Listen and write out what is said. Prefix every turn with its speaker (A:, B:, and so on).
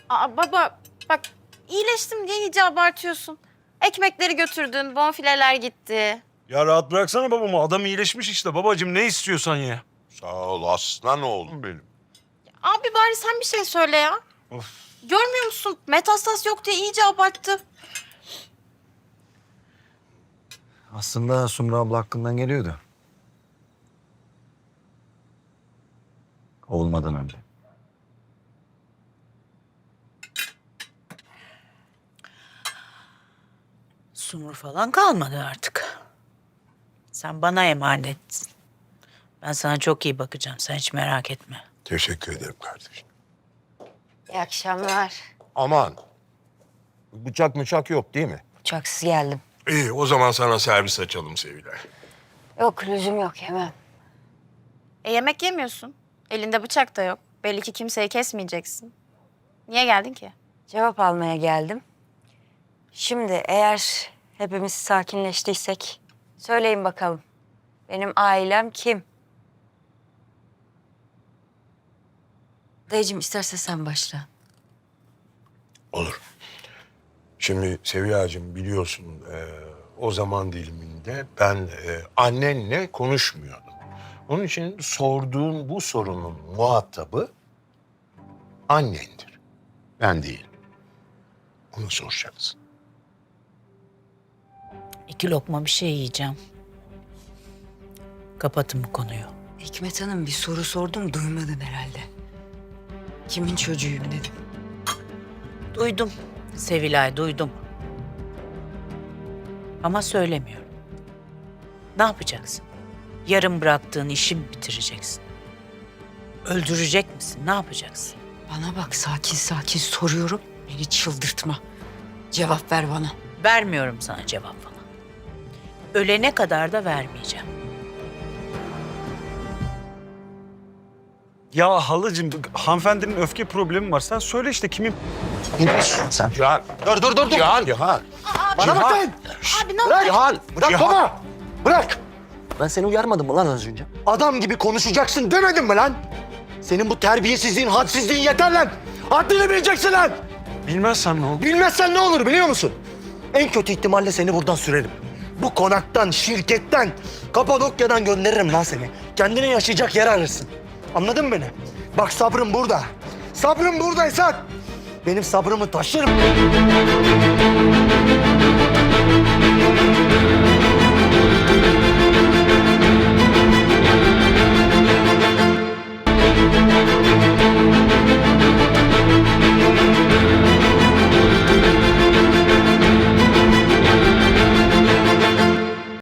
A: Aa, baba bak iyileştim diye iyice abartıyorsun. Ekmekleri götürdün, bonfileler gitti.
B: Ya rahat bıraksana babamı. Adam iyileşmiş işte. Babacığım ne istiyorsan ye.
C: Sağ ol aslan oğlum benim.
A: Abi bari sen bir şey söyle ya.
B: Of.
A: Görmüyor musun? Metastas yok diye iyice abarttı.
D: Aslında Sumru abla hakkından geliyordu. Olmadan önce.
E: Sumru falan kalmadı artık. Sen bana emanetsin. Ben sana çok iyi bakacağım. Sen hiç merak etme.
C: Teşekkür ederim kardeşim.
F: İyi akşamlar.
C: Aman. Bıçak mıçak yok değil mi?
F: Uçaksız geldim.
C: İyi o zaman sana servis açalım Sevilay.
F: Yok lüzum yok yemem.
A: Yemek yemiyorsun. Elinde bıçak da yok. Belli ki kimseyi kesmeyeceksin. Niye geldin ki?
F: Cevap almaya geldim. Şimdi eğer hepimiz sakinleştiysek söyleyin bakalım. Benim ailem kim? Dayıcığım isterse sen başla.
C: Olur. Şimdi Sevilla'cığım biliyorsun o zaman diliminde ben annenle konuşmuyordum. Onun için sorduğun bu sorunun muhatabı annendir. Ben değilim. Onu soracaksın.
E: 2 lokma bir şey yiyeceğim. Kapatın bu konuyu.
F: Hikmet Hanım bir soru sordum duymadın herhalde. Kimin çocuğuyum dedim.
E: Duydum. Sevilay duydum. Ama söylemiyorum. Ne yapacaksın? Yarım bıraktığın işi mi bitireceksin? Öldürecek misin? Ne yapacaksın?
F: Bana bak sakin sakin soruyorum. Beni çıldırtma. Cevap ver bana.
E: Vermiyorum sana cevap falan. Ölene kadar da vermeyeceğim.
B: Ya halacığım hanımefendinin öfke problemi var. Sen söyle işte kimin...
D: Sen.
C: Cihan. Dur. Cihan.
D: Bana bak lan!
A: Abi ne oldu?
D: Bırak! Cihan! Bırak
C: Cihan.
D: baba! Bırak! Ben seni uyarmadım mı lan az önce? Adam gibi konuşacaksın demedim mi lan? Senin bu terbiyesizliğin, hadsizliğin yeter lan! Haddini bileceksin lan!
B: Bilmezsen ne olur?
D: Bilmezsen ne olur biliyor musun? En kötü ihtimalle seni buradan sürerim. Bu konaktan, şirketten, Kapadokya'dan gönderirim lan seni. Kendine yaşayacak yer arırsın. Anladın mı beni? Bak sabrım burada. Sabrım buradaysa benim sabrımı taşırım.